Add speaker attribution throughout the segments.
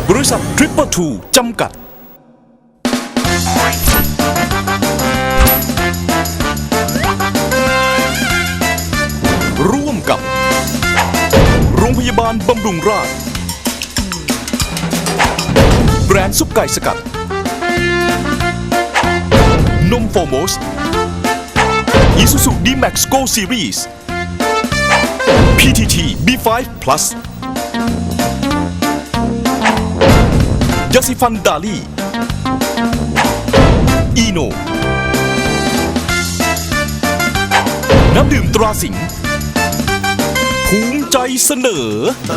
Speaker 1: บริษัท Triple2 จำกัดร่วมกับโรงพยาบาลบำรุงราษฎร์แบรนด์ซุปไก่สกัดนมโฟโมส Isuzu D-Max Go Series PTT B5 Plus ยาสีฟันดาลี่อีโนน้ำดื่มตราสิงห์ภูมิใจเสนอ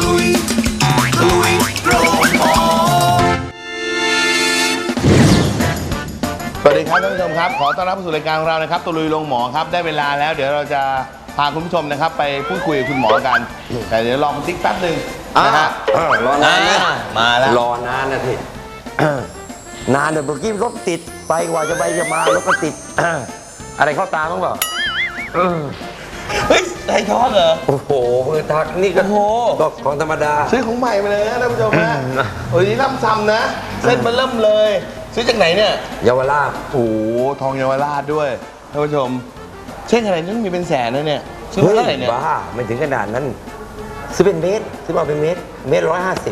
Speaker 2: สวัสดีครับท่านผู้ชมครับขอต้อนรับสู่รายการของเรานะครับตุลุยโรงหมอครับได้เวลาแล้วเดี๋ยวเราจะพาคุณผู้ชมนะครับไปพูดคุยกับคุณหมอกันแต่เดี๋ยวลองติ๊กแป๊บหนึ่งนะฮะ
Speaker 3: รอนานนะ
Speaker 2: มาแล้ว
Speaker 3: รอนานนะทีนานเดี๋ยวเมื่อกี้รถติดไปกว่าจะไปจะมารถก็ติดอะไรเข้าตาบ้างเปล่า
Speaker 2: เฮ้ยไอ้ทอดเหรอ
Speaker 3: โอ้โหทักนี่ก็ก็ของธรรมดา
Speaker 2: ซื้อของใหม่มาเลยนะท่านผู้ชมนะโอ้ยนี่ล่ำซ้ำนะเส้นมันเริ่มเลยซื้อจากไหนเนี่ย
Speaker 3: เยาวราช
Speaker 2: โอ้ทองเยาวราชด้วยท่านผู้ชมเช่นอะไรนี่มีเป็นแสนนะเนี่ยซื้อมาเท่าไหร่เนี่ย
Speaker 3: บ้าไม่ถึงขนาดนั้นซื้อเป็นเมตรซื้อมาเป็นเมตร150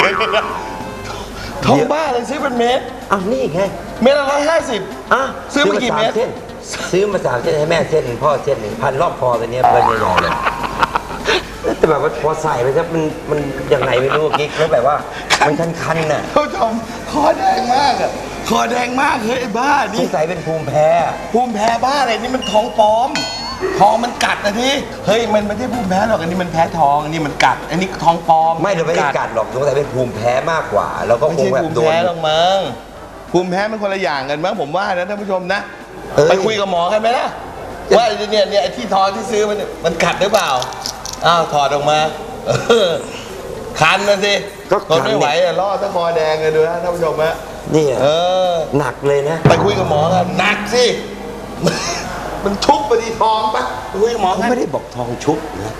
Speaker 2: ทองบ้าเลยซื้อเป็นเมตร
Speaker 3: อ้าวนี่ไง
Speaker 2: เมตรละ150ซื้อมากี่เมตร
Speaker 3: ซื้อมา3 เส้นให้แม่เส้นพ่อเส้น1,000รอบคอตัวนี้เพื่อนใหญ่ๆเลยแต่แบบว่าพอใส่ไปซะมันยังไงไม่รู้กิ๊กแล้วแบบว่ามันคันๆน่ะ
Speaker 2: ท่านผู้ชมคอแดงมากอ่ะคอแดงมากเฮ้ยไอ้บ้านี่
Speaker 3: ใส่เป็นภูมิแพ้
Speaker 2: บ้าอะไรนี่มันท้องปลอมทองมันกัดนะที่เฮ้ยมันไม่ใช่ภูมิแพ้หรอกอันนี้มันแพ้ทองอันนี้มันกัดอันนี้ท้องปลอม
Speaker 3: ไม่เราไม่ได้กัดหรอกสงสัยเป็นภูมิแพ้มากกว่าแล้วก็คงแบบโดน
Speaker 2: ไม่ใช่ภูมิแพ้หรอกมั้งภูมิแพ้มันคนละอย่างกันมั้งผมว่านะท่านผู้ชมนะไปคุยกับหมอกันไหมล่ะว่าเนี่ยไอ้ที่ทองที่ซื้อมันกัดหรือเปล่าอ้าวถอดออกมาคันนะสิทนไม่ไหวล่อตะคอแดงเลยดูนะท่านผู้ชมฮะ
Speaker 3: นี่หนักเลยนะ
Speaker 2: ไปคุยกับหมอกันหนักสิมันชุบไปที่ทองปะคุยกับหมอ
Speaker 3: เขาไม่ได้บอกทองชุบนะ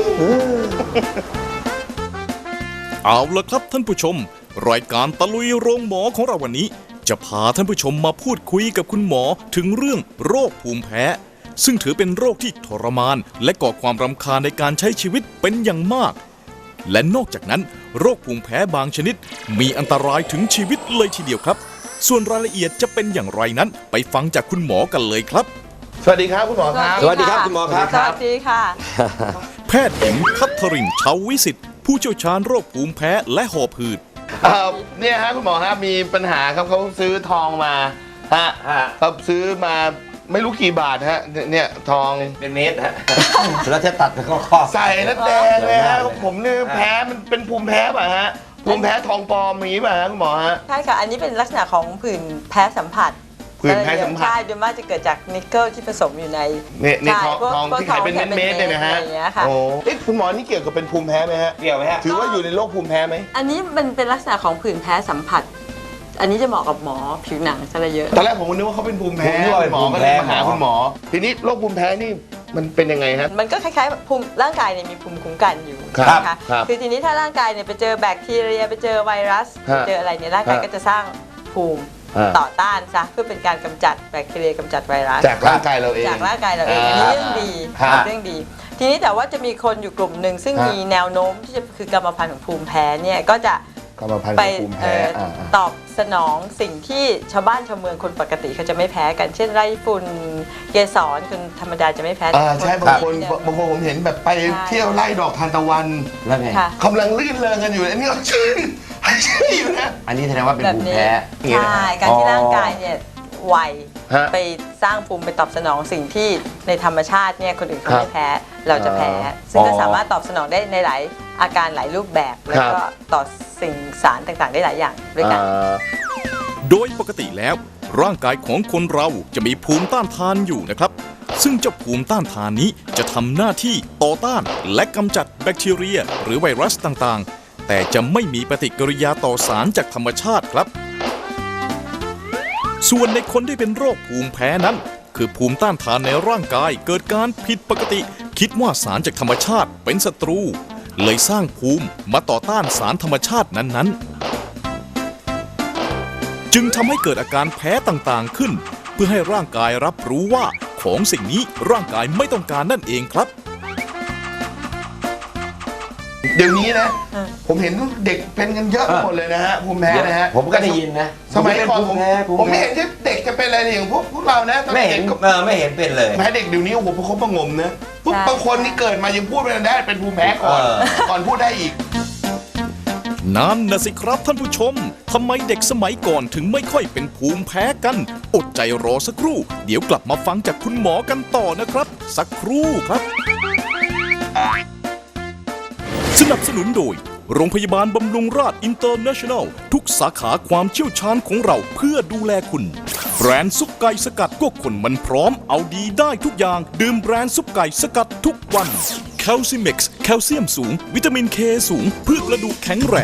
Speaker 1: เอาละครับท่านผู้ชมรายการตะลุยโรงหมอของเราวันนี้จะพาท่านผู้ชมมาพูดคุยกับคุณหมอถึงเรื่องโรคภูมิแพ้ซึ่งถือเป็นโรคที่ทรมานและก่อความรำคาญในการใช้ชีวิตเป็นอย่างมากและนอกจากนั้นโรคภูมิแพ้บางชนิดมีอันตรายถึงชีวิตเลยทีเดียวครับส่วนรายละเอียดจะเป็นอย่างไรนั้นไปฟังจากคุณหมอกันเลยครับ
Speaker 2: สวัสดีครับคุณหมอครับ
Speaker 3: สวัสดีครับคุณหมอครับ
Speaker 4: สวัสดีค่ะ
Speaker 1: แพทย์หญิงคัทริน ชาววิสิทธิ์ผู้เชี่ยวชาญโรคภูมิแพ้และหอบหืด
Speaker 2: เนี่ยฮะคุณหมอครับมีปัญหาครับเขาซื้อทองมาฮะเขาซื้อมาไม่รู้กี่บาทฮะเนี่ยทอง
Speaker 3: เป็นเมตรฮะแล้วจะตัดก็ข้อ
Speaker 2: ใส่แล้วแดงเลยฮะผมนี่แพ้มันเป็นภูมิแพ้ป่ะฮะภูมิแพ้ทองปลอมมีป่ะฮะคุณหมอฮะ
Speaker 4: ใช่ค่ะอันนี้เป็นลักษณะของผื่นแพ้สัมผัส
Speaker 2: ผื่นแพ้สัมผัส
Speaker 4: ใช่โดยมากจะเกิดจากนิกเกิลที่ผสมอยู่ใน
Speaker 2: ทองที่ขายเป็นเม็ดเนี่ยนะฮะโอ้คุณหมอนี่เกี่ยวกับเป็นภูมิแพ้ไหมฮะ
Speaker 3: เกี่ยวไหมฮะ
Speaker 2: ถือว่าอยู่ในโรคภูมิแพ้ไหม
Speaker 4: อันนี้มันเป็นลักษณะของผื่นแพ้สัมผัสอันนี้จะเหมาะกับหมอผิวหนังซะเยอะ
Speaker 2: ตอนแรกผมนึกว่าเขาเป็นภูมิแพ้หมอก็เลยมาหาคุณหมอทีนี้โรคภูมิแพ้นี่มันเป็นยังไงฮะ
Speaker 4: มันก็คล้ายๆภูมิร่างกายเนี่ยมีภูมิคุ้มกันอยู่นะคะคือทีนี้ถ้าร่างกายเนี่ยไปเจอแบคทีเรียไปเจอไวรัสไปเจออะไรเนี่ยร่างกายก็จะสร้างภูมิต่อต้านซะเพื่อเป็นการกำจัดแบคทีเรียกำจัดไวรัส
Speaker 2: จากร่างกายเราเอง
Speaker 4: อันนี้เรื่องดีเรื่องดีทีนี้แต่ว่าจะมีคนอยู่กลุ่มหนึ่งซึ่งมีแนวโน้มที่จะคือกรรมพันธุ์ของภูมิแพ้เนี่ยก็จะไปตอบสนองสิ่งที่ชาวบ้านชาวเมืองคนปกติเขาจะไม่แพ้กันเช่นไล่ฝุ่นเกสรคนธรรมดาจะไม่แพ้
Speaker 2: ใช่บางคนผมเห็นแบบไปเที่ยวไล่ดอกทานตะวัน
Speaker 3: แล้วไง
Speaker 2: กำลังลื่นเริงกันอยู่อันนี้ก็ชื่นอยู่นะ
Speaker 3: อันนี้แสดงว่าเป็นภูมิแพ้
Speaker 4: ใช่การที่ร่างกายเนี่ยไวไปสร้างภูมิไปตอบสนองสิ่งที่ในธรรมชาติเนี่ยคนอื่นเขาไม่แพ้เราจะแพ้ซึ่งก็สามารถตอบสนองได้ในหลายอาการหลายรูปแบบแล้วก็ต่อสิ่งสารต่างๆได้หลายอย่างด้วยกัน
Speaker 1: โดยปกติแล้วร่างกายของคนเราจะมีภูมิต้านทานอยู่นะครับซึ่งเจ้าภูมิต้านทานนี้จะทำหน้าที่ต่อต้านและกำจัดแบคทีเรียหรือไวรัสต่างๆแต่จะไม่มีปฏิกิริยาต่อสารจากธรรมชาติครับส่วนในคนที่เป็นโรคภูมิแพ้นั้นคือภูมิต้านทานในร่างกายเกิดการผิดปกติคิดว่าสารจากธรรมชาติเป็นศัตรูเลยสร้างภูมิมาต่อต้านสารธรรมชาตินั้นๆจึงทำให้เกิดอาการแพ้ต่างๆขึ้น เพื่อให้ร่างกายรับรู้ว่าของสิ่งนี้ร่างกายไม่ต้องการนั่นเองครับ
Speaker 2: เดี๋ยวนี้นะ ผมเห็นเด็กเป็นกันเยอะไปหมดเลยนะฮะภูมิแพ้นะฮะ
Speaker 3: ผมก็ได้ยินนะ
Speaker 2: สมัยก่อน
Speaker 3: ภูมิแพ้
Speaker 2: ผมไม่เห็นที่เด็กจะเป็นอะไรอย่างพวกเรานะตอน
Speaker 3: ไม่
Speaker 2: เด็
Speaker 3: เห็น
Speaker 2: กก็
Speaker 3: ไม่เห็นเป็นเลย
Speaker 2: แพ้เด็กเดี๋ยวนี้โอ้โหประคบประหงมนะปุ๊บ
Speaker 4: ใช่
Speaker 2: บางคนนี่เกิดมายังพูดไม่ได้เป็นภูมิแพ้ก่อน ก่อนพูดได้อีก
Speaker 1: นั่นนะสิครับท่านผู้ชม ทำไมเด็กสมัยก่อนถึงไม่ค่อยเป็นภูมิแพ้กัน อดใจรอสักครู่ เดี๋ยวกลับมาฟังจากคุณหมอกันต่อนะครับ สักครู่ครับ สนับสนุนโดย โรงพยาบาลบำรุงราษฎร์อินเตอร์เนชั่นแนล ทุกสาขาความเชี่ยวชาญของเราเพื่อดูแลคุณ แบรนด์ซุปไก่สกัดก็คนมันพร้อมเอาดีได้ทุกอย่าง ดื่มแบรนด์ซุปไก่สกัดทุกวันแคลซิเม็กซ์แคลเซียมสูง วิตามินเคสูง เพื่อกระดูกแข็งแรง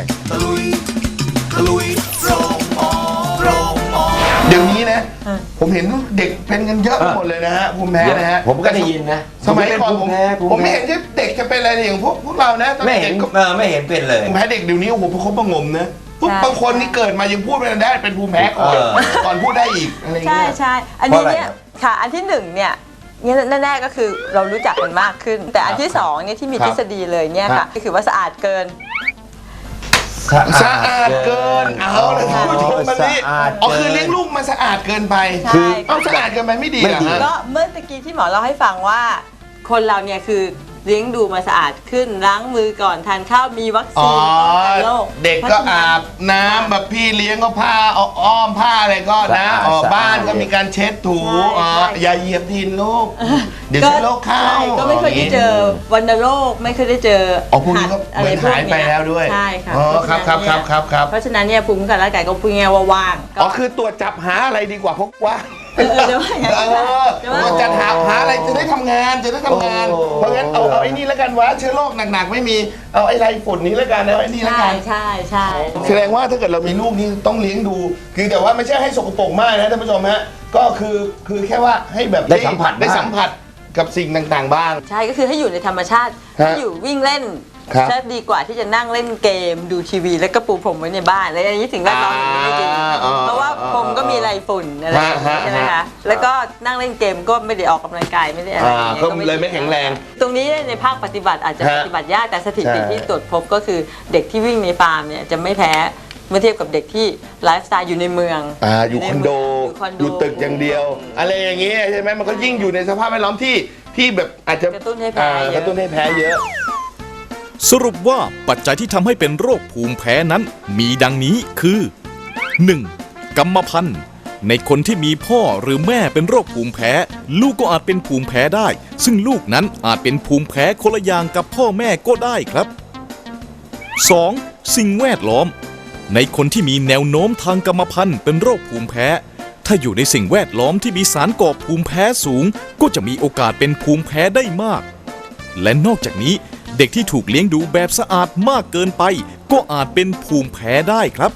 Speaker 2: เดี๋ยวนี้นะ ผมเห็นเด็กเป็นกันเยอะไปหมดเลยนะฮะภูมิแพ้นะฮะ
Speaker 3: ผมก็ได้ยินนะ
Speaker 2: สมัยก่อน
Speaker 3: ภูมิแพ้
Speaker 2: ผมไม่เห็นที่เด็กจะเป็นอะไรอย่างพวกเรานะตอน
Speaker 3: ไม่เห็
Speaker 2: เด็
Speaker 3: น
Speaker 2: กก็
Speaker 3: ไม่เห็นเป็นเลย
Speaker 2: ภูมิแพ้เด็กเดี๋ยวนี้โอ้โหประคบประหงมนะปุ๊บบางคนนี่เกิดมายังพูดไม่ได้เป็นภูมิแพ้ก่อนก่อนพูดได้อีกอะไรอย่าง
Speaker 4: ใช่
Speaker 2: เงี้ย
Speaker 4: ใช่อันนี้เนี่ยค่ะอันที่หนึ่งเนี่ยแน่ๆก็คือเรารู้จักกันมากขึ้น แต่อันที่สองเนี่ยที่มีทฤษฎีเลยเนี่ยค่ะก็คือว่าสะอาดเกิน
Speaker 2: สะอาดเกินเอาเลยท่านผู้ชมมันนี่อ๋อคือเลี้ยงลูกมันสะอาดเกินไป
Speaker 4: ใช่
Speaker 2: เอาสะอาดเกินไปไม่ดีเหรอฮะ
Speaker 4: ก็เมื่อตะกี้ที่หมอเล่าให้ฟังว่า คนเราเนี่ยคือเลี้ยงดูมาสะอาดขึ้นล้างมือก่อนทานข้าวมีวัค
Speaker 2: อ๋
Speaker 4: ซี
Speaker 2: อน
Speaker 4: ป้องกันโรค
Speaker 2: เด็กก็อาบน้ำแบบพี่เลี้ยงก็ผ้าอ้อมผ้าอะไรก็นะบ้านก็มีการเช็ดถูอย่าเหยียบดินลูกเดี๋ยวเชื้อโรคเข้า
Speaker 4: ใช่ก็ไม่เคยได้เจอวัณโรคไม่เคยได้เจอ
Speaker 2: อ๋อพวกนี้ก็เหมือนหายไปแล้วด้วย
Speaker 4: ใช่ค่ะ
Speaker 2: อ๋อครับครับครับครับครับ
Speaker 4: เพราะฉะนั้นเนี่ยภูมิคุ้มกันร่างกายก็พูดง่ายๆว่าว่าง
Speaker 2: อ๋อคือตรวจจับหาอะไรดีกว่าพกว่า
Speaker 4: เดี๋ยวว่าอย่างนั้น
Speaker 2: เดี๋ยวจะหาอะไรจะได้ทำงานเพราะงั้นเอาไอ้นี่แล้วกันวะเชื้อโรคหนักๆไม่มีเอาไอ้ไรฝุ่นนี้แล้วกันเอาไอ้นี่แล้ว
Speaker 4: ใช่
Speaker 2: กัน
Speaker 4: ใช่ใช่
Speaker 2: แสดงว่าถ้าเกิดเรามีลูกนี่ต้องเลี้ยงดู คือแต่ว่าไม่ใช่ให้สกปรกมากนะท่านผู้ชมฮะก็คือแค่ว่าให้แบบ
Speaker 3: ได้สัมผัส
Speaker 2: ได้สัมผัสกับสิ่งต่างๆบ้าง
Speaker 4: ใช่ก็คือให้อยู่ในธรรมชาติ
Speaker 2: ฮะ
Speaker 4: ให้อยู่วิ่งเล่น
Speaker 2: ครับ
Speaker 4: จะดีกว่าที่จะนั่งเล่นเกมดูทีวี แล้วก็ปูพรมไว้ในบ้านแล้วอันนี้สิ่งแวดล้อมอย่างนี้ไม่ดีเพราะว่าพรมก็มีไรฝุ่นอะไรอย่างเงี้ยใช่ไหมคะแล้วก็นั่งเล่นเกมก็ไม่ได้ออกกำลังกายไม่ได้อะไรอย่างเงี้ย
Speaker 2: ก็เลยไม่แข็งแรง
Speaker 4: ตรงนี้ในภาคปฏิบัติอาจจะ
Speaker 2: ฮะ
Speaker 4: ปฏิบัติยากแต่สถิติ
Speaker 2: ใช่
Speaker 4: ที่ตรวจพบก็คือเด็กที่วิ่งในฟาร์มเนี่ยจะไม่แพ้เมื่อเทียบกับเด็กที่ไลฟ์สไตล์อยู่ในเมือง
Speaker 2: อยู่คอนโด อยู่ตึกอย่างเดียว อะไรอย่างเงี้ยใช่ไหมมันก็ยิ่งอยู่ในสภาพแวดล้อมที่แบบอาจจะ
Speaker 4: กระตุ้นให้แพ้เยอะ
Speaker 2: กระตุ้นให้แพ้เยอะ
Speaker 1: สรุปว่าปัจจัยที่ทำให้เป็นโรคภูมิแพ้นั้น มีดังนี้คือ 1. กรรมพันธุ์ ในคนที่มีพ่อหรือแม่เป็นโรคภูมิแพ้ ลูกก็อาจเป็นภูมิแพ้ได้ ซึ่งลูกนั้นอาจเป็นภูมิแพ้คนละอย่างกับพ่อแม่ก็ได้ครับ 2. สิ่งแวดล้อม ในคนที่มีแนวโน้มทางกรรมพันธุ์เป็นโรคภูมิแพ้ ถ้าอยู่ในสิ่งแวดล้อมที่มีสารก่อภูมิแพ้สูง ก็จะมีโอกาสเป็นภูมิแพ้ได้มาก และนอกจากนี้เด็กที่ถูกเลี้ยงดูแบบสะอาดมากเกินไป ก็อาจเป็นภูมิแพ้ได้ครับ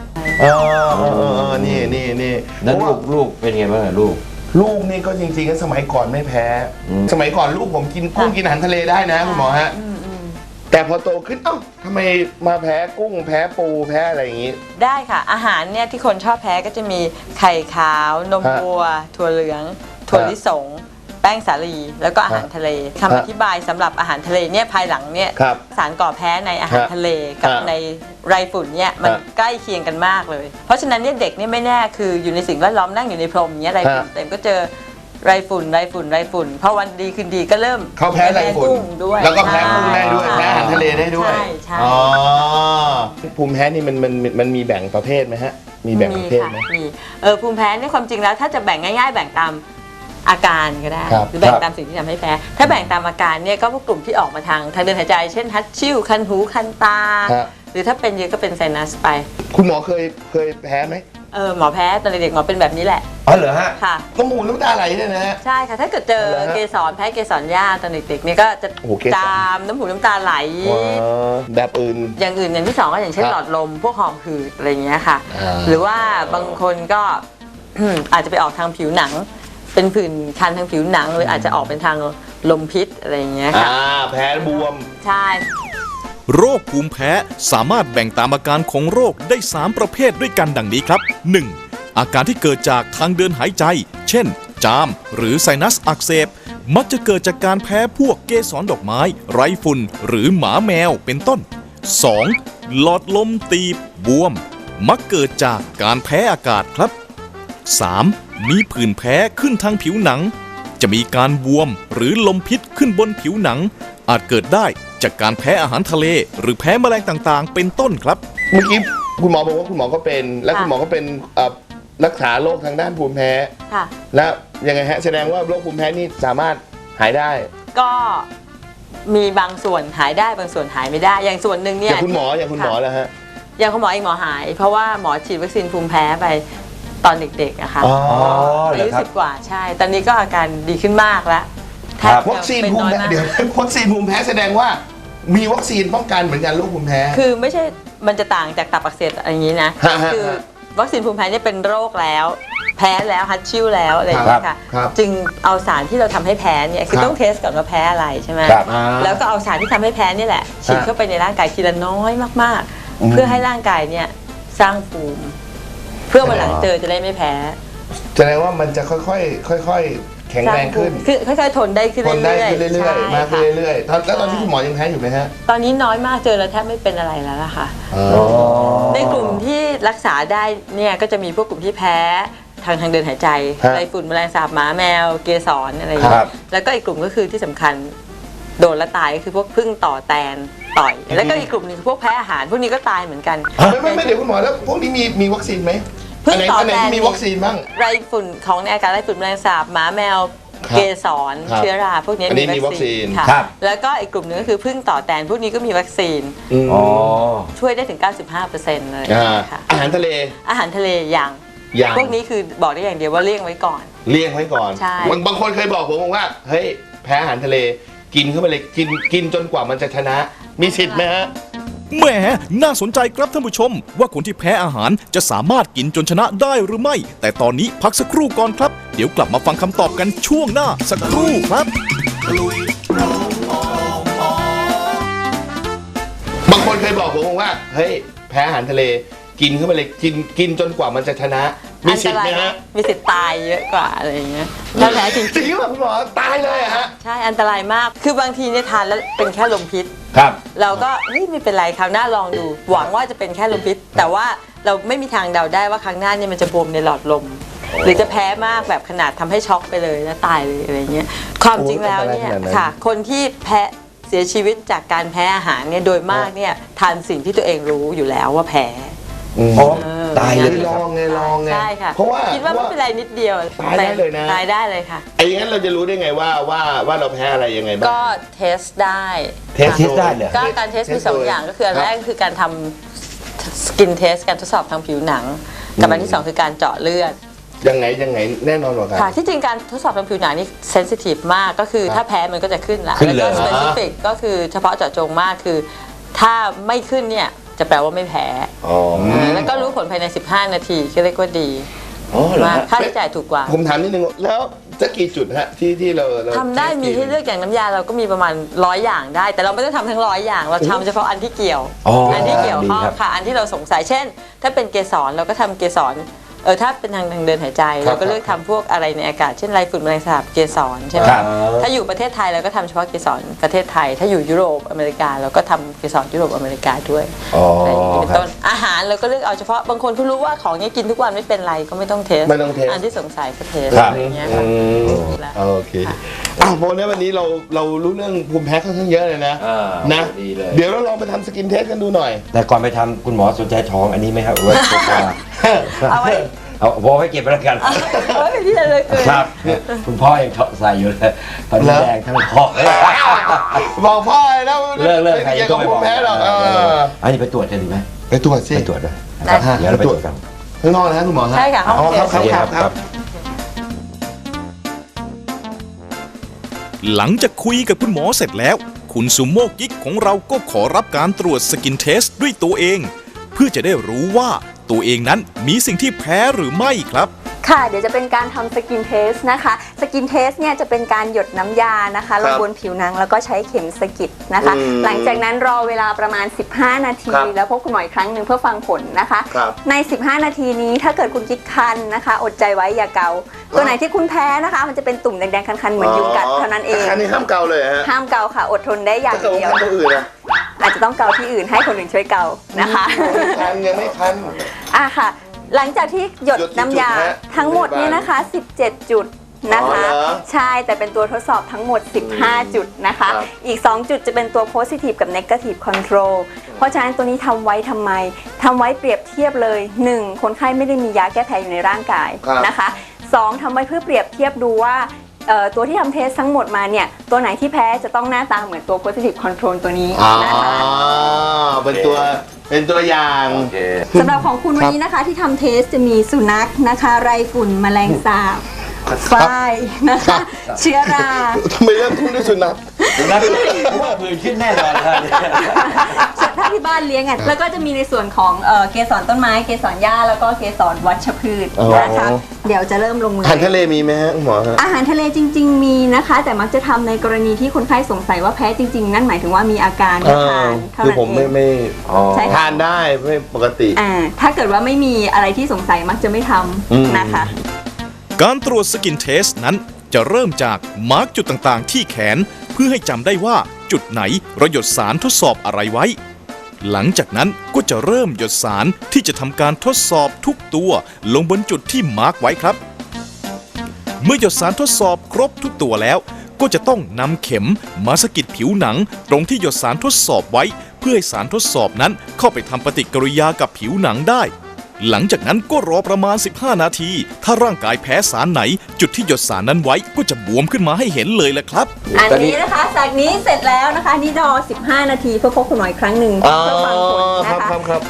Speaker 2: นี่
Speaker 3: แล้วลูกเป็นไงบ้างลูก
Speaker 2: ลูกนี่ก็จริงๆก็สมัยก่อนไม่แพ้ สมัยก่อนลูกผมกินกุ้งกินอาหารทะเลได้นะคุณหมอฮะ แต่พอโตขึ้นเอ้าทำไมมาแพ้กุ้งแพ้ปูแพ้อะไรอย่างงี้
Speaker 4: ได้ค่ะอาหารเนี่ยที่คนชอบแพ้ก็จะมีไข่ขาวนมวัว ถั่วเหลือง ถั่วลิสง แป้งสาลีแล้วก็อาหารทะเลคำอธิบายสำหรับอาหารทะเลเนี่ยภายหลังเนี่ย
Speaker 2: ครับ
Speaker 4: สารก่อแพ้ในอาหารทะเลกับ
Speaker 2: ครับ
Speaker 4: ในไรฝุ่นเนี่ยมัน
Speaker 2: ครับ
Speaker 4: ใกล้เคียงกันมากเลย เพราะฉะนั้นเนี่ยเด็กเนี่ยไม่แน่คืออยู่ในสิ่งแวดล้อมนั่งอยู่ในพรมเนี่ยไรฝุ่น
Speaker 2: ครับ
Speaker 4: เต็มก็เจอไรฝุ่นพอวันดีคืนดีก็เริ่ม
Speaker 2: เขาแพ้ไรฝุ่น
Speaker 4: กุ้งด้วย
Speaker 2: แล้วก็แพ้กุ้งได้ด้วย
Speaker 4: ใช่
Speaker 2: แพ้อาหารทะเลได้ด้วย
Speaker 4: ใช่
Speaker 2: อ๋อภูมิแพ้นี่มันมีแบ่งประเภทไหมฮะ มีแบ่งประเภทไหม
Speaker 4: มีภูมิแพ้เนี่ยความจริงแล้วถ้าจะแบ่งง่ายๆ แบ่งตามอาการก็ได้
Speaker 2: ครับ
Speaker 4: หรือแบ่งตามสิ่งที่ทำให้แพ้ ถ้าแบ่งตามอาการเนี่ยก็พวกกลุ่มที่ออกมาทางเดินหายใจ เช่นฮัตชิ่วคันหูคันตา
Speaker 2: ครับ
Speaker 4: หรือถ้าเป็นเยอะก็เป็นไซนัสไป
Speaker 2: คุณหมอเคยแพ้ไหม
Speaker 4: หมอแพ้ตอนเด็กๆหมอเป็นแบบนี้แหละ
Speaker 3: อ๋อเหรอฮะ
Speaker 4: ค่ะ
Speaker 2: น้ำมูกน้ำตาไหลเนี่ยนะฮะ
Speaker 4: ใช่ค่ะถ้าเกิดเจอ
Speaker 2: เหรอฮะ
Speaker 4: เกสรแพ้เกสรหญ้าตอนเด็กๆเนี่ยก็จะ
Speaker 2: โอ้โหเกสร
Speaker 4: จามน้ำหูน้ำตาไหล
Speaker 2: แบบอื่น
Speaker 4: อย่างอื่นอย่างที่สองก็อย่างเช่น
Speaker 2: ครับ
Speaker 4: หลอดลมพวกหอบหืดอะไรอย่างเงี้ยค่ะ
Speaker 2: อ่า
Speaker 4: หรือว่าบางคนก็ อาจจะไปออกทางผิวหนัง เป็นผื่นคันทางผิวหนัง หรืออาจจะออกเป็นทางลมพิษอะไรอย่างเงี้ยค่ะ
Speaker 2: แพ้บวม
Speaker 4: ใช่
Speaker 1: โรคภูมิแพ้สามารถแบ่งตามอาการของโรคได้ 3 ประเภทด้วยกันดังนี้ครับ 1. อาการที่เกิดจากทางเดินหายใจ เช่น จามหรือไซนัสอักเสบมักจะเกิดจากการแพ้พวกเกสรดอกไม้ไรฝุ่นหรือหมาแมวเป็นต้น 2. หลอดลมตีบบวม มักเกิดจากการแพ้อากาศครับ 3. มีผื่นแพ้ขึ้นทางผิวหนัง จะมีการบวมหรือลมพิษขึ้นบนผิวหนัง อาจเกิดได้จากการแพ้อาหารทะเล หรือแพ้แมลงต่างๆ เป็นต้นครับ
Speaker 2: เมื่อกี้คุณหมอบอกว่าคุณหมอก็เป็น และคุณหมอก็เป็นรักษาโรคทางด้านภูมิแพ้
Speaker 4: ค่ะ
Speaker 2: แล้วยังไงฮะแสดงว่าโรคภูมิแพ้นี่สามารถหายได้
Speaker 4: ก็มีบางส่วนหายได้บางส่วนหายไม่ได้ อย่างส่วนหนึ่งเนี่
Speaker 2: อย ย่างคุณหมอแล้วฮะ
Speaker 4: อย่างคุณหมอเองหมอหาย เพราะว่าหมอฉีดวัคซีนภูมิแพ้ไปตอนเด็กๆอะค่ะ
Speaker 2: อ๋อ
Speaker 4: อายุ10 กว่าใช่ ตอนนี้ก็อาการดีขึ้นมากแล้วแทบ
Speaker 2: วัคซีน
Speaker 4: เป็น
Speaker 2: ภูมิ
Speaker 4: น้อย
Speaker 2: แพ้
Speaker 4: มาก
Speaker 2: เดี๋ยววัคซีนภูมิแพ้แสดงว่ามีวัคซีนป้องกันเหมือนกันโรคภูมิแพ้
Speaker 4: คือไม่ใช่มันจะต่างจากตับอักเสบอะไรอย่างนี้นะ
Speaker 2: ฮะฮะ
Speaker 4: คือวัคซีนภูมิแพ้เนี่ยเป็นโรคแล้ว แพ้แล้วฮัตชิ่วแล้วอะไรอย่างเงี้ยค่ะ
Speaker 2: ครับ
Speaker 4: จึงเอาสารที่เราทำให้แพ้เนี่ยคือ
Speaker 2: ครับ
Speaker 4: ต้องเทสก่อนว่าแพ้อะไรใช่ไหม
Speaker 3: ครับ
Speaker 4: แล้วก็เอาสารที่ทำให้แพ้นี่แหละฉีดเข้าไปในร่างกายทีละน้อยมากๆ เพื่อให้ร่างกายเนี่ยสร้างภูมิ เพื่อวันหลังเจอจะได้ไม่แพ้
Speaker 2: แสดงว่ามันจะค่อยๆแข็งแรงขึ้น
Speaker 4: คือค่อยๆทนได้ขึ้น
Speaker 2: ทนได้ขึ้น
Speaker 4: เรื่
Speaker 2: เรื่
Speaker 4: อ
Speaker 2: อย
Speaker 4: ๆ
Speaker 2: ๆมากขึ้น
Speaker 4: ใช่ค่ะ
Speaker 2: เรื่อยๆแล้วตอนนี้คุณหมอยังแพ้อยู่ไหมฮะ
Speaker 4: ตอนนี้น้อยมากเจอแล้วแทบไม่เป็นอะไรแล้วล่ะค่ะ ในกลุ่มที่รักษาได้เนี่ยก็จะมีพวกกลุ่มที่แพ้ทางเดินหายใจ
Speaker 2: ฮะ
Speaker 4: ไรฝุ่นแมลงสาบหมาแมวเกสรอะไรอย่าง
Speaker 2: ครั
Speaker 4: เงี้
Speaker 2: บ
Speaker 4: ยแล้วก็อีกกลุ่มก็คือที่สำคัญโดนและตายก็คือพวกพึ่งต่อแตนต่อย แล้วก็อีกกลุ่มหนึงคือพวกแพ้อาหารพวกนี้ก็ตายเหมือนกัน
Speaker 2: ไม่เดี๋ยวคุณหมอแล้วพวกนี้มีวัคซีนไหม
Speaker 4: พึ่งต่อ
Speaker 2: อันไหน
Speaker 4: แตน
Speaker 2: ที่มีวัคซีนบ้าง
Speaker 4: ไรฝุ่นของในอากาศไรฝุ่นแมลงสาบหมาแมว
Speaker 2: ครับ
Speaker 4: เกสร
Speaker 2: ครับ
Speaker 4: เชื้อราพวกนี้
Speaker 2: อันนี้มีวัคซีน
Speaker 4: ค่ะ
Speaker 3: ครับ
Speaker 4: แล้วก็อีกกลุ่มหนึงก็คือพึ่งต่อแตนพวกนี้ก็มีวัคซีน
Speaker 3: อ๋อ
Speaker 4: ช่วยได้ถึง 95%เลย
Speaker 2: อ่า
Speaker 4: ค่ะ
Speaker 2: อาหารทะเล
Speaker 4: อาหารทะเลยัง
Speaker 2: ยัง
Speaker 4: พวกนี้คือบอกได้อย่างเดียวว่าเลี่ยงไว้ก่อน
Speaker 2: เลี่ยงไว้ก่อน
Speaker 4: ใช่
Speaker 2: บางคนเคยบอกผมว่าเฮ้ยแพ้อาหารทะเลกินเข้าไปเลยกินจนกว่ามันจะชนะ มีสิทธิ์ไหมฮะ
Speaker 1: แหมน่าสนใจครับท่านผู้ชม ว่าคนที่แพ้อาหารจะสามารถกินจนชนะได้หรือไม่ แต่ตอนนี้พักสักครู่ก่อนครับ เดี๋ยวกลับมาฟังคำตอบกันช่วงหน้าสักครู่ครับ
Speaker 2: บางคนเคยบอกผมว่าเฮ้ยแพ้อาหารทะเลกินเข้าไปเลยกินจนกว่ามันจะชนะ มีสิทธิ์ไหมฮะ
Speaker 4: มีสิทธิ์ตายเยอะกว่าอะไรอย่างเงี้ยถ้าแพ้จริง
Speaker 2: จริงหรือเปล่าคุณหมอตายเลยอะฮะ
Speaker 4: ๆใช่อันตรายมาก คือบางทีเนี่ยทานแล้วเป็นแค่ลมพิษ
Speaker 3: ครับ
Speaker 4: เราก็เฮ้ยไม่เป็นไรคราวหน้าลองดู หวังว่าจะเป็นแค่ลมพิษ แต่ว่าเราไม่มีทางเดาได้ว่าครั้งหน้าเนี่ยมันจะบวมในหลอดลม หรือจะแพ้มากแบบขนาดทำให้ช็อกไปเลยแล้วตายเลยอะไรเงี้ยความจริงแล้วเนี่ย
Speaker 2: โอ้ยอันตรายขนาดนั้น
Speaker 4: ค่ะ คนที่แพ้เสียชีวิตจากการแพ้อาหารเนี่ยโดยมากเนี่ยทานสิ่งที่ตัวเองรู้อยู่แล้วว่าแพ้
Speaker 3: อ๋อ ตายเลย
Speaker 2: ลองไง
Speaker 4: ใช่ค่ะ
Speaker 2: เพราะว่า
Speaker 4: คิดว่าไม่เป็นไรนิดเดียว
Speaker 2: ตายได้เลยนะ
Speaker 4: ตายได้เลยค่ะ
Speaker 2: ไอ้งั้นเราจะรู้ได้ไงว่าเราแพ้อะไรยังไงบ้าง
Speaker 4: ก็เทสได้
Speaker 2: เทส
Speaker 3: เทสได้เหรอ
Speaker 4: ก็การเทสมีสองอย่างก็คืออันแรกคือการทำสกินเทสการทดสอบทางผิวหนัง กับอันที่สองคือการเจาะเลือด
Speaker 2: ยังไงแน่นอนกว่ากัน
Speaker 4: ค่ะที่จริงการทดสอบทางผิวหนังนี่เซนซิทีฟมากก็คือ
Speaker 2: ครับ
Speaker 4: ถ้าแพ้มันก็จะขึ้นละ
Speaker 3: ขึ้นเลย
Speaker 4: แล้วก็สเปซิฟิกก็คือเฉพาะเจาะจงมากคือ ถ้าไม่ขึ้นเนี่ยจะแปลว่าไม่แพ้
Speaker 2: อ๋อ
Speaker 4: แล้วก็รู้ผลภายใน 15 นาทีก็เรียกว่าดี
Speaker 2: อ๋อเหรอ
Speaker 4: มาก
Speaker 2: ฮะ
Speaker 4: ค่าใช้จ่ายถูกกว่า
Speaker 2: ผมถามนิดนึงแล้วจะกี่จุดฮะที่เรา
Speaker 4: ทำได้มีให้เลือกอย่างน้ำยาเราก็มีประมาณ100 อย่างได้ แต่เราไม่ได้ทำทั้ง100 อย่าง เราทำเฉพาะอันที่เกี่ยว
Speaker 3: อ๋ออั
Speaker 4: นที่เกี่ยวข้อง
Speaker 3: ดีครับ
Speaker 4: ค่ะ อันที่เราสงสัยเช่น ถ้าเป็นเกสรเราก็ทำเกสรถ้าเป็นทางเดินหายใจ เราก็เลือกทำพวกอะไรในอากาศเช่นไรฝุ่นแมลงสาบเกสรใช่ไหม
Speaker 3: ครับ
Speaker 4: ถ้าอยู่ประเทศไทยเราก็ทำเฉพาะเกสรประเทศไทย ถ้าอยู่ยุโรปอเมริกาเราก็ทำเกสรยุโรปอเมริกาด้วย
Speaker 3: อ๋อ
Speaker 4: อะไรอย่างนี้เป็น
Speaker 3: ครับ
Speaker 4: ต้นอาหารเราก็เลือกเอาเฉพาะบางคนเขารู้ว่าของนี้กินทุกวันไม่เป็นไรก็ไม่ต้องเทส
Speaker 2: ไม่ต้องเทส
Speaker 4: อันที่สงสัยก็เทส
Speaker 3: ครับ
Speaker 4: อะไรอย่างเงี้ยค่ะ แล้ว
Speaker 2: โอเคโมเนี่ยวันนี้เรารู้เรื่องภูมิแพ้ค่อนข้างเยอะเลยนะ นะ
Speaker 3: ดีเลย
Speaker 2: เดี๋ยวเราลองไปทำสกินเทสกันดูหน่อย
Speaker 3: แต่ก่อนไปทำคุณหมอสนใจท้องอันนี้ไหมครับไว้เก็บไว้
Speaker 4: เอาไว้
Speaker 3: เอาพอไว้เก็บไว้แล้วกัน
Speaker 4: เอาไว้เป็นที่ระลึกเลย
Speaker 3: ครับ คุณพ่อยังใส่อยู่เลยตอนนี้แดงทั้งพ่อเลย
Speaker 2: บอกพ่อเลยนะ
Speaker 3: เลิกใคร
Speaker 2: ไม่
Speaker 3: จะ
Speaker 2: เกี่ยว
Speaker 3: ต้
Speaker 2: กั
Speaker 3: อบ งไปบอก
Speaker 2: ภูมิแพ้หรอก
Speaker 3: อันนี้ไปตรวจกันดีไหม
Speaker 2: ไปตรวจสิ
Speaker 3: ไปตรวจด้วย
Speaker 4: ได้
Speaker 3: เดี๋ยวเราไปตรวจกัน
Speaker 2: ข้างนอกนะคุณหมอฮะ
Speaker 4: ใช่ค่ะห้อง
Speaker 2: อ๋อ
Speaker 4: เท
Speaker 2: ครับ
Speaker 4: ส
Speaker 2: ครับ
Speaker 1: หลังจากคุยกับคุณหมอเสร็จแล้ว คุณซูโม่กิ๊กของเราก็ขอรับการตรวจสกินเทสด้วยตัวเอง เพื่อจะได้รู้ว่าตัวเองนั้นมีสิ่งที่แพ้หรือไม่ครับ
Speaker 5: ค่ะเดี๋ยวจะเป็นการทำสกินเทสนะคะสกินเทสเนี่ยจะเป็นการหยดน้ำยานะคะลงบนผิวหนังแล้วก็ใช้เข็มสกิดนะคะหลังจากนั้นรอเวลาประมาณ15 นาทีแล้วพบคุณหมออีกครั้งหนึ่งเพื่อฟังผลนะคะใน15 นาทีนี้ถ้าเกิดคุณกิ๊กคันนะคะอดใจไว้อย่าเกาตัวไหนที่คุณแพ้นะคะมันจะเป็นตุ่มแดงๆคันๆเหมือนยุงกัดเท่านั้นเอง
Speaker 2: อันนี้ห้ามเกาเลยฮะ
Speaker 5: ห้ามเกาค่ะอดทนได้อย่างเดียว
Speaker 2: ถ้าเกาตัวอื่นอะ
Speaker 5: อาจจะต้องเกาที่อื่นให้คนอื่นช่วยเกานะคะ
Speaker 2: ยังไม่คัน
Speaker 5: ค่ะ หลังจากที่หยดน้ำยาทั้งหมดเนี่ยนะคะ17 จุดนะคะใช่แต่เป็นตัวทดสอบทั้งหมด15 จุดนะคะอีก2 จุดจะเป็นตัว positive กับ negative control เพราะฉะนั้นตัวนี้ทำไว้ทำไมทำไว้เปรียบเทียบเลย 1. คนไข้ไม่ได้มียาแก้แพ้อยู่ในร่างกายนะคะ 2. ทำไว้เพื่อเปรียบเทียบดูว่าตัวที่ทำเทสทั้งหมดมาเนี่ยตัวไหนที่แพ้จะต้องหน้าตาเหมือนตัว positive control ตัวนี้นะคะ
Speaker 2: เป็นตัวอย่าง
Speaker 5: สำหรับของคุณวันนี้นะคะที่ทำเทสจะมีสุนัขนะคะไรฝุ่นแมลงสาบฝ้ายนะคะเชื้อรา
Speaker 2: ทำไมเริ่มต้นด้วยสุนัข
Speaker 3: ว่าผื่นขึ้นแน่นอนครับ
Speaker 5: ถ้าที่บ้านเลี้ยงอ่ะแล้วก็จะมีในส่วนของเกสรต้นไม้เกสรหญ้าแล้วก็เกสรวัชพืชนะคะเดี๋ยวจะเริ่มลงมือ
Speaker 2: อาหารทะเลมีไหมฮะหมอฮะ
Speaker 5: อาหารทะเลจริงๆมีนะคะแต่มักจะทำในกรณีที่คนไข้สงสัยว่าแพ้จริงๆนั่นหมายถึงว่ามีอาการทานเท่า
Speaker 2: คือ
Speaker 5: นั้น
Speaker 2: ผม
Speaker 5: เอง
Speaker 2: ไม่
Speaker 5: ใช่ค่ะ
Speaker 2: ทานได้ไม่ปกติ
Speaker 5: ถ้าเกิดว่าไม่มีอะไรที่สงสัยมักจะไม่ทำนะคะ
Speaker 1: การตรวจสกินเทสนั้นจะเริ่มจากมาร์กจุดต่างๆที่แขนเพื่อให้จำได้ว่าจุดไหนเราหยดสารทดสอบอะไรไว้ หลังจากนั้นก็จะเริ่มหยดสารที่จะทำการทดสอบทุกตัวลงบนจุดที่มาร์กไว้ครับ เมื่อหยดสารทดสอบครบทุกตัวแล้วก็จะต้องนำเข็มมาสะกิดผิวหนังตรงที่หยดสารทดสอบไว้เพื่อให้สารทดสอบนั้นเข้าไปทำปฏิกิริยากับผิวหนังได้ หลังจากนั้นก็รอประมาณ15 นาที ถ้าร่างกายแพ้สารไหนจุดที่หยดสารนั้นไว้ก็จะบวมขึ้นมาให้เห็นเลยแหละครับ
Speaker 5: อันนี้นะคะจากนี้เสร็จแล้วนะคะนี่รอ15 นาทีเพื่อพบคุณหมออีกครั้งหนึ่งเพื่อฟังผลนะคะ
Speaker 2: ครับ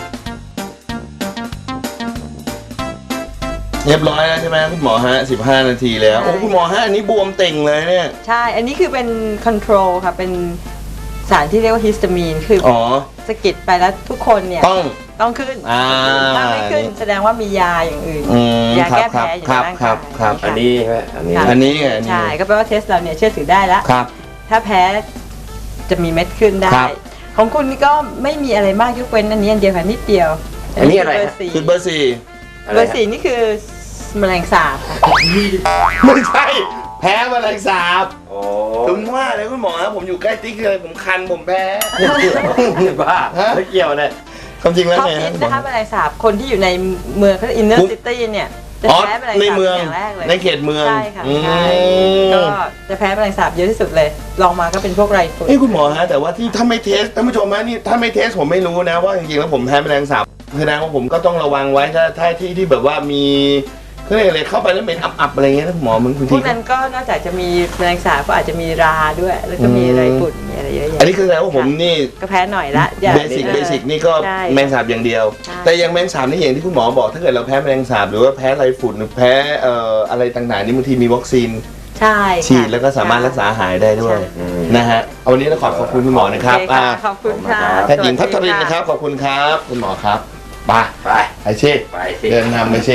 Speaker 2: เรียบร้อยแล้วใช่ไหมคุณหมอฮะ15 นาทีแล้วโอ้คุณหมอฮะอันนี้บวมเต่งเลยเนี่ย
Speaker 4: ใช่อันนี้คือเป็นคอนโทรลค่ะเป็นสารที่เรียกว่าฮิสตามีนคือสะกิดไปแล้วทุกคนเนี่ยต้องขึ้นถ้าไม่ขึ้นแสดงว่ามียาอย่างอื่นยาแก้แพ้อยู่ในร่างกาย
Speaker 3: อันนี้ใช่ไหม
Speaker 2: อันนี้
Speaker 4: ใช่ก็แปลว่าเทสเราเนี่ยเชื่อถือได้แล้วถ้าแพ้จะมีเม็ดขึ้นได้ของคุณนี่ก็ไม่มีอะไรมากยกเว้นอันนี้อันเดียวค่ะนิดเดียว
Speaker 3: อันนี้อะไร
Speaker 2: คือเบอร์
Speaker 4: 4นี่คือแมลงสาบค่ะ
Speaker 2: ไม่ใช่แพ้แมลงสาบถึงว่าเลยคุณหมอครับผมอยู่ใกล้ติ๊กเลยผมคันผมแพ้
Speaker 3: บ้าไม่เกี่ยวเลย
Speaker 2: ความจริงแล้วไง
Speaker 4: นะคะแมลงสาบคนที่อยู่ในเมืองเขาอินเนอร์ซิตี้เนี่ยจะแพ้แมลงสาบอย่างแรกเลย
Speaker 2: ในเขตเมือง
Speaker 4: ใช่ค่ะใช่ก็จะแพ้แมลงสาบเยอะที่สุดเลยลองมาก็เป็นพวกไรฝุ่น
Speaker 2: คุณหมอฮะแต่ว่าที่ถ้าไม่เทสท่านผู้ชมฮะนี่ถ้าไม่เทสผมไม่รู้นะว่าจริงๆแล้วผมแพ้แมลงสาบแสดงว่าผมก็ต้องระวังไว้ถ้าที่แบบว่ามีเขาเรียกอะไรเข้าไปแล้วเหม็นอับๆอะไรเงี้ยหมอมึง
Speaker 4: พวกนั้นก็นอกจากจะมีแมลงสาบก็อาจจะมีราด้วยแล้วก็มีไรฝุ่นมีอะไรเยอะแยะ
Speaker 2: อันนี้คือแสดงว่าผมนี่
Speaker 4: ก็แพ้หน่อยละ
Speaker 2: เบสิกนี่ก็แมลงสาบอย่างเดียวแต่ยังแมลงสาบนี่อย่างที่คุณหมอบอกถ้าเกิดเราแพ้แมลงสาบหรือว่าแพ้ไรฝุ่นหรือแพ้อะไรต่างๆนี่บางทีมีวัคซีนฉีดแล้วก็สามารถรักษาหายได้ด้วยนะฮะเอาวันนี้เราขอบคุณคุณหมอนะครับ
Speaker 4: ขอบคุณค่ะ
Speaker 2: แพทย์หญิงพัทรินนะครับขอบคุณครับคุณหมอครับไปไอเช่เดินนำไอเช่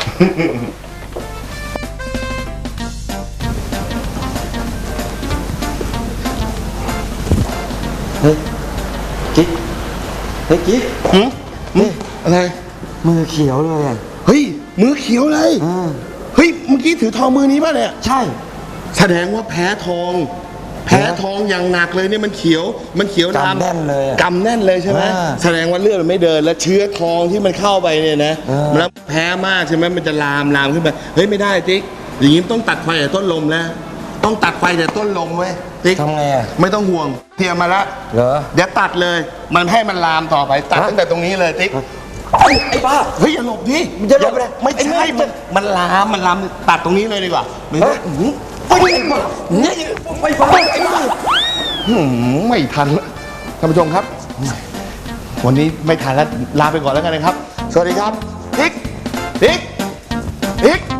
Speaker 3: เฮ้ยกิ๊ก
Speaker 2: นี่อะไร
Speaker 3: มือเขียวเลย
Speaker 2: เฮ้ยมือเขียวเลยเฮ้ยเมื่อกี้ถือทองมือนี้ป่ะเนี่ย
Speaker 3: ใช่
Speaker 2: แสดงว่าแพ้ทองอย่างหนักเลยเนี่ยมันเขียว
Speaker 3: กำแน่นเลย
Speaker 2: กำแน่นเลยใช่ไหมแสดงว่าเลือดมันไม่เดินแล้วเชื้อทองที่มันเข้าไปเนี่ยนะแล้วแพ้มากใช่ไหมมันจะลามขึ้นไปเฮ้ยไม่ได้ติ๊กอย่างนี้ต้องตัดไฟแต่ต้นลมแล้วต้องตัดไฟแต่ต้นลมไว้ติ๊ก
Speaker 3: ทำไง
Speaker 2: ไม่ต้องห่วงเตรียมมาแล้ว
Speaker 3: เหรอ
Speaker 2: เดี๋ยวตัดเลยมันให้มันลามต่อไปตัดตั้งแต่ตรงนี้เลยติ๊ก
Speaker 3: ไอ้บ้า
Speaker 2: เฮ้ยอย่าหลบดิ
Speaker 3: มันจะหลบ
Speaker 2: ไม่ใช่มันลามตัดตรงนี้เลยดีกว่าไม่ฟังไม่ทันแล้วท่านผู้ชมครับวันนี้ไม่ทันแล้วลาไปก่อนแล้วกันนะครับสวัสดีครับติ๊ก